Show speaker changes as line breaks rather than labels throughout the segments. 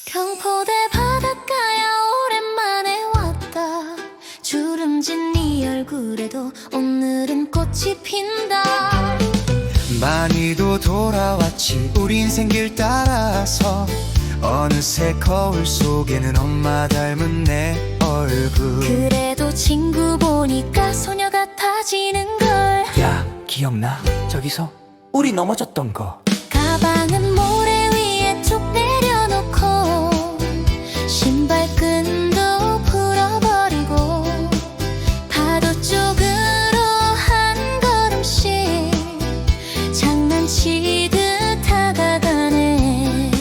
경포대 바닷가야 오랜만에 왔다. 주름진 네 얼굴에도 오늘은 꽃이 핀다.
많이도 돌아왔지 우린 생길 따라서. 어느새 거울 속에는 엄마 닮은 내 얼굴.
그래도 친구 보니까 소녀 같아지는걸.
야, 기억나? 저기서 우리 넘어졌던 거.
가방은 모래 위에 쭉 내려놓고 신발끈도 풀어버리고 파도 쪽으로 한 걸음씩 장난치듯 다가가네.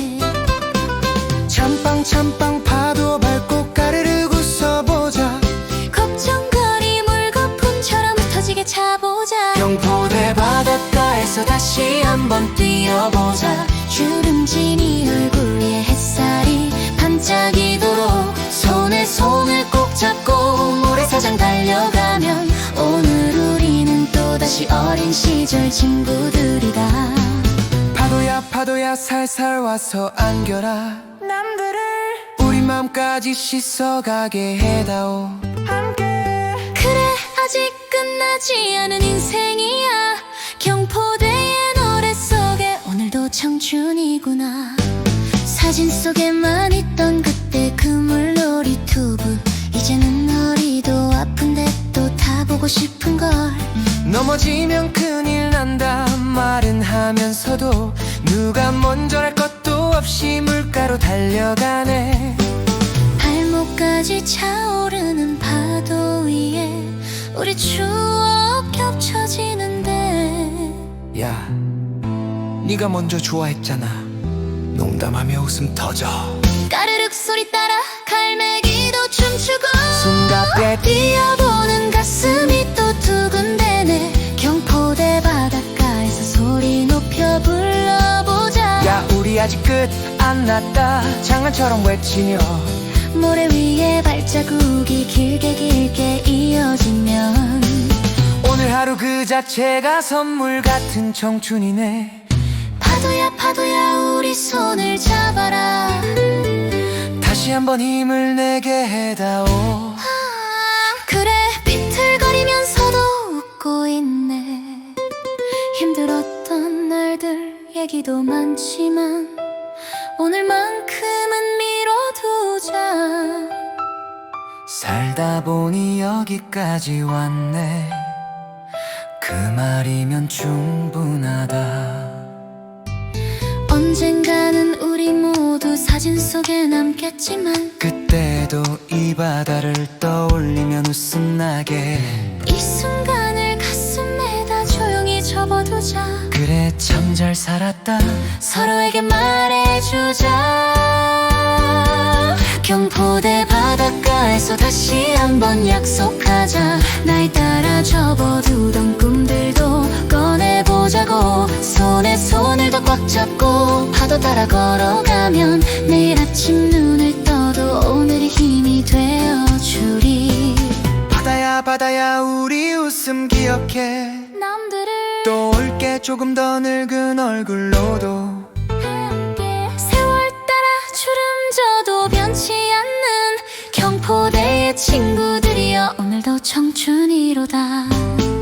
첨벙첨벙 파도 밟고 까르르 웃어보자.
걱정거리 물거품처럼 터지게 차보자.
경포대 바닷가에서 다시 한번 뛰어보자.
주름진 이 얼굴 위에 햇살이 반짝이도록 손에 손을 꼭 잡고 모래사장 달려가면 오늘 우리는 또다시 어린 시절 친구들이다.
파도야 파도야 살살 와서 안겨라. 남들을 우리 맘까지 씻어가게 해다오.
그래 아직 끝나지 않은 인생이야. 경포대의 노래 속에 오늘도 청춘이구나. 사진 속에만 있던 그때 그 물놀이 투브 이제는 어리도 아픈데 또 타보고 싶은걸.
넘어지면 큰일 난다 말은 하면서도 누가 먼저랄 것도 없이 물가로 달려가네.
발목까지 차오르는 파도 위에 우리 추억 겹쳐지는데.
야, 네가 먼저 좋아했잖아. 농담하며 웃음 터져.
까르륵 소리 따라 갈매기도 춤추고
숨가빼
뛰어보는 가슴이 또 두근대네. 경포대 바닷가에서 소리 높여 불러보자.
야, 우리 아직 끝 안 났다 장난처럼 외치며
모래 위에 발자국이 길게 길게 이어지면
오늘 하루 그 자체가 선물 같은 청춘이네.
파도야 파도야 우리 손을 잡아라.
다시 한번 힘을 내게 해다오.
그래 비틀거리면서도 웃고 있네. 힘들었던 날들 얘기도 많지만 오늘만큼은 미뤄두자.
살다 보니 여기까지 왔네. 그 말이면 충분하다.
언젠가는 우리 모두 사진 속에 남겠지만
그때도 이 바다를 떠올리면 웃음 나게.
이 순간을 가슴에다 조용히 접어두자.
그래 참 잘 살았다
서로에게 말해주자. 경포대 바닷가에서 다시 한번 약속하자. 날 따라 접어두던 꿈들도 꺼내보자고. 손에 손을 더 꽉 잡고 파도 따라 걸어가면 내일 아침 눈을 떠도 오늘이 힘이 되어주리.
바다야 바다야 우리 웃음 기억해.
남들을
또 올게 조금 더 늙은 얼굴로도.
함께 세월 따라 주름 져도 변치 않는 경포대의 친구들이여 오늘도 청춘이로다.